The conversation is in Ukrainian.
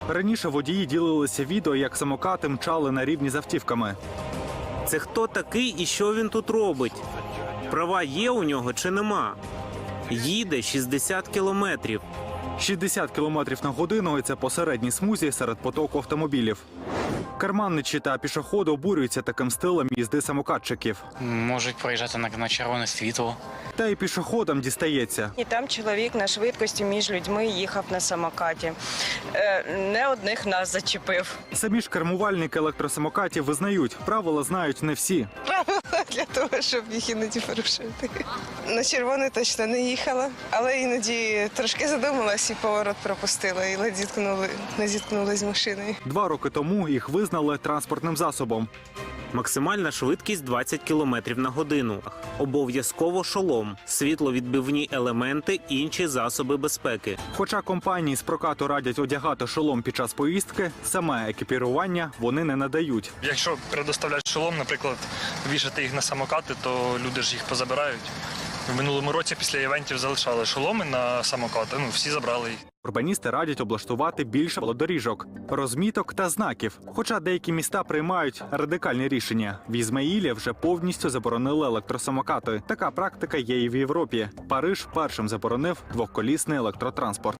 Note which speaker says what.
Speaker 1: Раніше водії ділилися відео, як самокати мчали на рівні з автівками.
Speaker 2: Це хто такий і що він тут робить? Права є у нього чи нема? Їде 60 кілометрів.
Speaker 1: 60 км на годину – і це по середній смузі серед потоку автомобілів. Карманничі та пішоходи обурюються таким стилем їзди самокатчиків.
Speaker 3: Можуть проїжджати на червоне світло.
Speaker 1: Та й пішоходам дістається.
Speaker 4: І там чоловік на швидкості між людьми їхав на самокаті. Не одних нас зачепив.
Speaker 1: Самі ж кермувальники електросамокатів визнають, правила знають не всі.
Speaker 5: Правила для того, щоб їх іноді порушити. На червоне точно не їхала, але іноді трошки задумалась і поворот пропустила, і не зіткнулась з машиною.
Speaker 1: 2 роки тому їх визнали транспортним засобом.
Speaker 2: Максимальна швидкість 20 км на годину. Обов'язково шолом, світловідбивні елементи, інші засоби безпеки.
Speaker 1: Хоча компанії з прокату радять одягати шолом під час поїздки, саме екіпірування вони не надають.
Speaker 6: Якщо предоставлять шолом, наприклад, вішати їх на самокати, то люди ж їх позабирають. В минулому році після івентів залишали шоломи на самокати, всі забрали їх.
Speaker 1: Урбаністи радять облаштувати більше велодоріжок, розміток та знаків. Хоча деякі міста приймають радикальні рішення. В Ізмаїлі вже повністю заборонили електросамокати. Така практика є і в Європі. Париж першим заборонив двоколісний електротранспорт.